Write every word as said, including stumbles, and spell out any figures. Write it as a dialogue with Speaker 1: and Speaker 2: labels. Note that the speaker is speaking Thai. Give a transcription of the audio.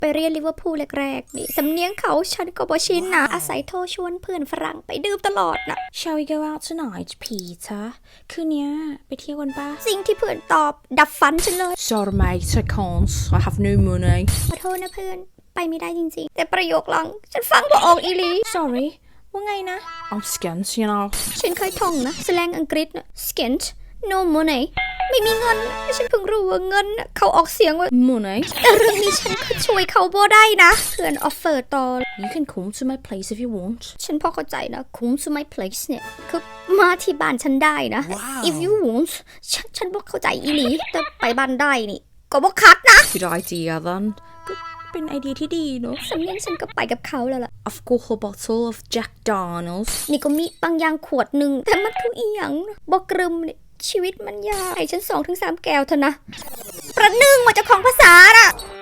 Speaker 1: ไปเรียนลิเวอร์พูลแรกๆนี่สำเนียงเขาฉันก็บ่ชินนะอาศัยโทรชวนเพื่อนฝรั่งไปดื่มตลอดนะ
Speaker 2: Shall we go out tonight Peter คืนนี้ไปเที่ยวกันปะ
Speaker 1: สิ่งที่เพื่อนตอบดับฝันฉันเลย
Speaker 2: Sorry mate I can't I have no money
Speaker 1: ขอโทษนะเพื่อนไปไม่ได้จริงๆแต่ประโยคหลังฉันฟังบ่ออกอีหลี
Speaker 2: Sorry ว่าไงนะ I'm skint you know
Speaker 1: ฉันเคยท่องนะแสลงอังกฤษนะ skint no money ไม่มีเงินฉันเพิ่งรู้ว่าเงินเขาออกเสียงว่า
Speaker 2: Money
Speaker 1: แต่เรื่องนี้ฉันก็ช่วยเขาบ่ได้นะเพื่อนออฟเฟอร์ต่อ
Speaker 2: You can come to my place if you want
Speaker 1: ฉันพอเข้าใจนะ come to my place เนี่ยคือมาที่บ้านฉันได้นะ
Speaker 2: wow.
Speaker 1: if you want ฉันฉันบ่เข้าใจอีหลีแต่ไปบ้านได้นี่ก็บ่คัดนะ
Speaker 2: Good idea then ก็เป็นไอเดียที่ดีเนอะ
Speaker 1: สำเนียงฉันก็ไปกับเขาแล้วล่ะ
Speaker 2: I've got a bottle of Jack Daniels
Speaker 1: นี่ก็มีบางอย่างขวดหนึ่งแต่มันคืออีหยังบ่กรึมนี่ชีวิตมันยากให้ฉันสองถึงสามแก้วเถอะนะประหนึ่งมาจากของภาษาน่ะ